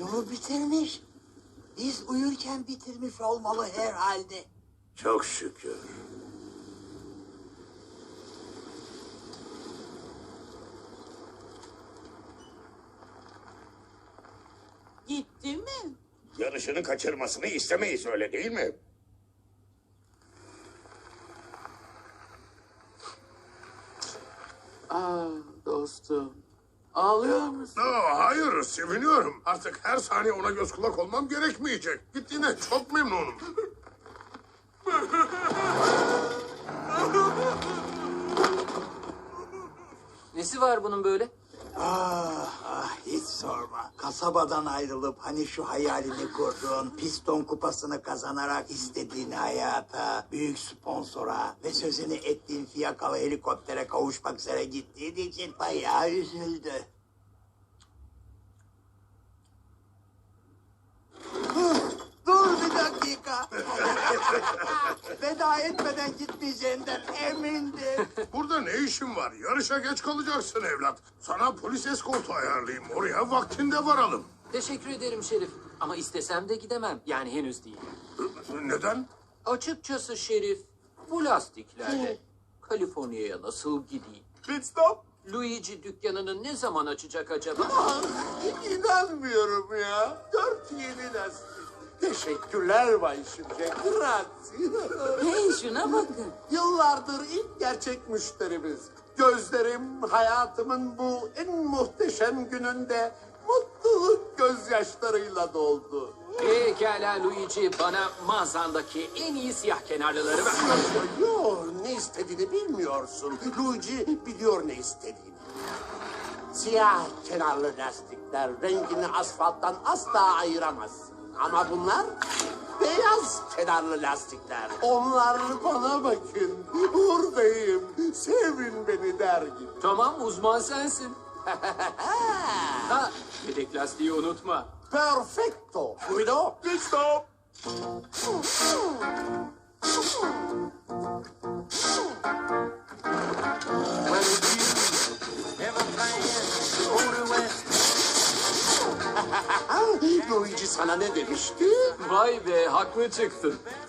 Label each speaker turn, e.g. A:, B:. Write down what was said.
A: Yolu bitirmiş. Biz uyurken bitirmiş olmalı herhalde.
B: Çok şükür.
C: Gitti mi?
B: Yarışını kaçırmasını istemeyiz, öyle değil mi?
D: Dostum. Ağlıyor musun?
E: Hayır, seviniyorum. Artık her saniye ona göz kulak olmam gerekmeyecek. Gittiğine çok memnunum.
D: Nesi var bunun böyle?
A: Hiç sorma. Kasabadan ayrılıp hani şu hayalini kurduğun piston kupasını kazanarak istediğin hayata, büyük sponsora ve sözünü ettiğin fiyakalı helikoptere kavuşmak üzere gittiğin için bayağı üzüldü. Dur bir dakika. Veda etmeden gitmeyeceğinden emindim.
E: Burada ne işin var? Yarışa geç kalacaksın evlat. Sana polis eskortu ayarlayayım. Oraya vaktinde varalım.
D: Teşekkür ederim Şerif. Ama istesem de gidemem. Yani henüz değil.
E: Neden?
D: Açıkçası Şerif, bu lastiklerle Kaliforniya'ya nasıl gideyim?
F: Pit stop.
D: Luigi dükkanını ne zaman açacak acaba?
F: İnanmıyorum ya. 4 yeni lastik. Teşekkürler Bay Şimşek. Grazie.
C: Hey şuna bakın.
F: Yıllardır ilk gerçek müşterimiz. Gözlerim hayatımın bu en muhteşem gününde mutluluk gözyaşlarıyla doldu.
D: Pekala Luigi, bana mağazandaki en iyi siyah kenarlıları ver.
F: Yo, ne istediğini bilmiyorsun. Luigi biliyor ne istediğini. Siyah kenarlı lastikler rengini asfalttan asla ayıramazsın. Ama bunlar beyaz kenarlı lastikler. Onlar bana bakın. Buradayım. Sevin beni der gibi.
D: Tamam, uzman sensin. Ha, yedek lastiği unutma.
F: Perfecto. Guido.
E: Pit stop.
F: Luigi sana ne demişti?
D: Vay be, haklı çıktın.